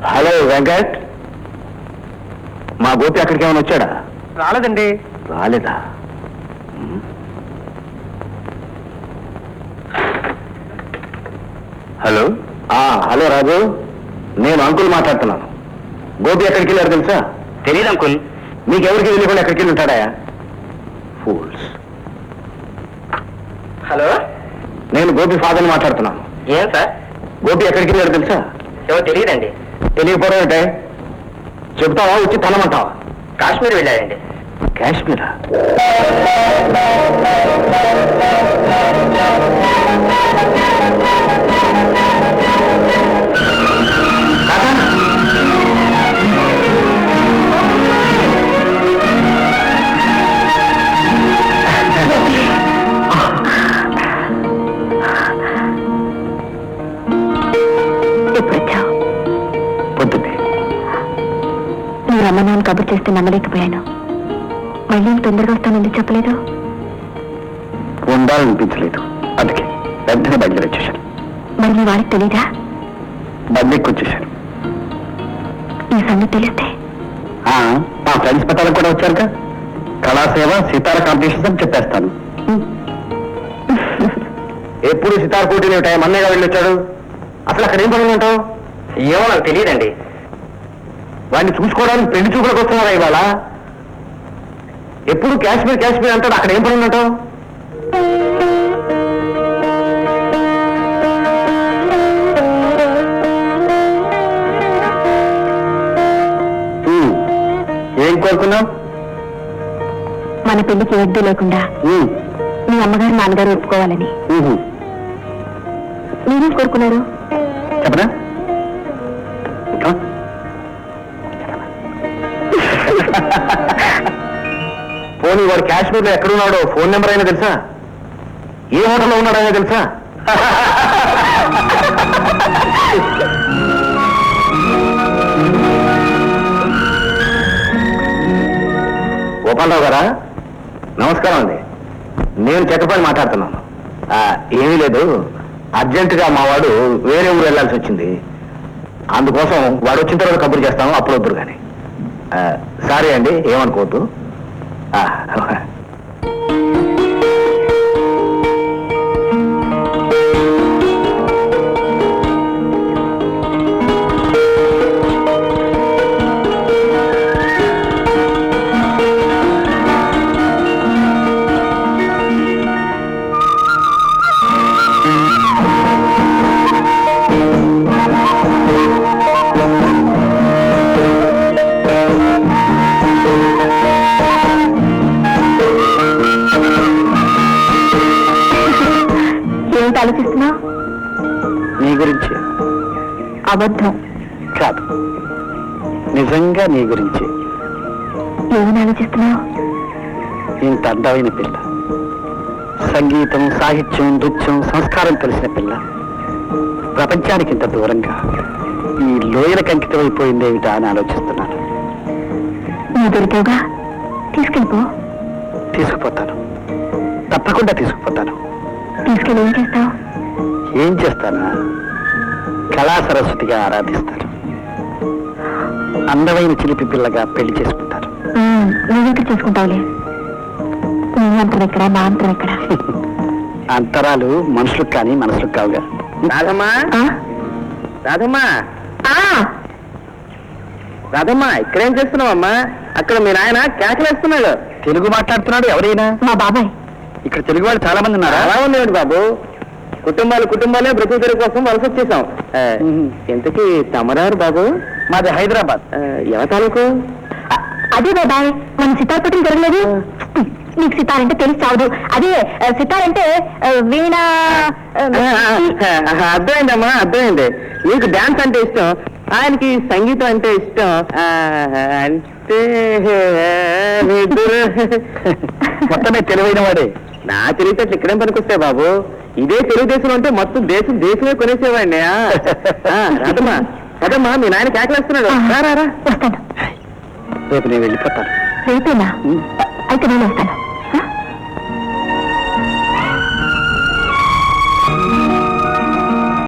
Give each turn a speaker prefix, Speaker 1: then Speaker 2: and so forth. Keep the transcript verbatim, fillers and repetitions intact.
Speaker 1: Hello Venkat, మా గోపి అక్కడికి ఏమైనా వచ్చాడా?
Speaker 2: రాలేదండి.
Speaker 1: రాలేదా? హలో. హలో రాజు, నేను అంకుల్ మాట్లాడుతున్నాను. గోపి ఎక్కడికి వెళ్ళారు తెలుసా?
Speaker 2: తెలియదు అంకుల్.
Speaker 1: మీకెవరికి తెలియకుండా ఎక్కడికి వెళ్ళి ఉంటాడా? ఫూల్స్.
Speaker 2: హలో,
Speaker 1: నేను గోపి ఫాదర్ని మాట్లాడుతున్నాను.
Speaker 2: ఏం సార్?
Speaker 1: గోపి ఎక్కడికి వెళ్ళారు తెలుసా?
Speaker 2: ఎవరు తెలియదండి.
Speaker 1: తెలియకపోవడం ఏంటే? చెప్తావా వచ్చి తనమంటావా?
Speaker 2: కాశ్మీర్ వెళ్ళారండి.
Speaker 1: కాశ్మీరా? పొద్దున్నే
Speaker 3: మీరు అమ్మ నాన్న కబుర్ చేస్తే నమ్మలేకపోయాను. మళ్ళీ తొందరగా వస్తానని చెప్పలేదు.
Speaker 1: ఉండాలనిపించలేదు, అందుకే వెంటనే బయలుదేరి వచ్చేసాను.
Speaker 3: మరి మీ వారికి తెలీదా?
Speaker 1: బందెక్కి వచ్చేసాను.
Speaker 3: ఈ సంగతి తెలిస్తే
Speaker 1: మా ఫ్రెండ్స్ పెట్టాలకు కూడా వచ్చారుగా. కళాసేవ సితార కాంపిటీషన్స్ అని చెప్పేస్తాను. ఎప్పుడు సితార పోటీలు ఉంటాయి? మన్నయ్యగా వెళ్ళి వచ్చాడు. అసలు అక్కడ ఏం పనులు ఉంటావు?
Speaker 2: ఏమో నాకు తెలియదండి.
Speaker 1: వాడిని చూసుకోవడానికి పెళ్లి చూపులకు వస్తున్నారా ఇవాళ? ఎప్పుడు కాశ్మీర్ కాశ్మీర్ అంటాడు. అక్కడ ఏం పనులు ఉంటావు? ఏం కోరుకున్నావు?
Speaker 3: మన పెళ్లికి వడ్డీ లేకుండా మీ అమ్మగారు నాన్నగారు ఒప్పుకోవాలని. మీరేం కోరుకున్నారు
Speaker 1: చెప్పనా? పోనీ వాడు కాశ్మీర్లో ఎక్కడున్నాడో ఫోన్ నెంబర్ అయినా తెలుసా? ఏ హోటల్లో ఉన్నాడైనా తెలుసా? గోపాలరావు గారా, నమస్కారం అండి. నేను చెక్కపల్లి మాట్లాడుతున్నాను. ఏమీ లేదు, అర్జెంటుగా మా వాడు వేరే ఊరు వెళ్లాల్సి వచ్చింది. అందుకోసం వాడు వచ్చిన తర్వాత కబురు చేస్తాను, అప్పుడు వద్దురు కానీ. సారీ అండి, ఏమనుకోవద్దు.
Speaker 3: ఆలోచిస్తున్నావు?
Speaker 1: నీ గురించి.
Speaker 3: అబద్ధం
Speaker 1: కాదు, నిజంగా నీ గురించి.
Speaker 3: ఏమని ఆలోచిస్తున్నావు?
Speaker 1: ఇంత అందమైన పిల్ల, సంగీతం, సాహిత్యం, నృత్యం, సంస్కారం తెలిసిన పిల్ల ప్రపంచానికి ఇంత దూరంగా ఈ లోయలకు అంకితమైపోయిందేమిటా అని ఆలోచిస్తున్నాను.
Speaker 3: నువ్వు దొరికావుగా, తీసుకెళ్ళిపో.
Speaker 1: తీసుకుపోతాను, తప్పకుండా తీసుకుపోతాను.
Speaker 3: తీసుకెళ్ళి ఏం చేస్తావు?
Speaker 1: ఏం చేస్తానా? కళా సరస్వతిగా ఆరాధిస్తాను. అందమైన చిలిపి పిల్లగా పెళ్లి చేసుకుంటారు.
Speaker 3: నువ్వెక్కడ చేసుకుంటావులే. నీ అంతరం ఎక్కడ, నా అంతరం ఎక్కడ?
Speaker 1: అంతరాలు మనుషులకు కానీ మనసులకు కావుగా.
Speaker 2: రాధమ్మా, రాధమ్మా, రాధమ్మా, ఇక్కడేం చేస్తున్నావమ్మా? అక్కడ మీ నాయన కేకలేస్తున్నాడు.
Speaker 1: తెలుగు మాట్లాడుతున్నాడు. ఎవరైనా?
Speaker 3: మా బాబాయ్.
Speaker 1: ఇక్కడ తెలుగు వాళ్ళు చాలా మంది ఉన్నారా?
Speaker 2: అలా ఉందండి బాబు. కుటుంబాలు కుటుంబాలే బ్రతుకు తెరుగు కోసం వలస వచ్చేసాం. ఇంతకీ తమరారు బాబు?
Speaker 1: మాది హైదరాబాద్.
Speaker 2: ఎవరి తాలూకు?
Speaker 3: అదే బాబాయ్, మన సితార్ పట్టిన జరగలేదు. నీకు సితార్ అంటే తెలిసి చావదు. అదే సితార్ అంటే వీణ.
Speaker 2: అర్థమైందమ్మా, అర్థమైంది. నీకు డాన్స్ అంటే ఇష్టం, ఆయనకి సంగీతం అంటే ఇష్టం. అంటే
Speaker 1: మొత్తమే తెలివైన వాడే.
Speaker 2: నా తెలివితేటలు ఇక్కడేం పనికొస్తాయి బాబు? ఇదే తెలుగుదేశం అంటే మొత్తం దేశం దేశమే కొనేసేవాడిని. రాదమ్మా, రాదమ్మా, మీ నాయన కేకలేస్తున్నాడు.
Speaker 3: వస్తాను.
Speaker 1: రేపు నేను వెళ్ళిపోతాను.
Speaker 3: రేపేనా? అయితే నేను వస్తాను.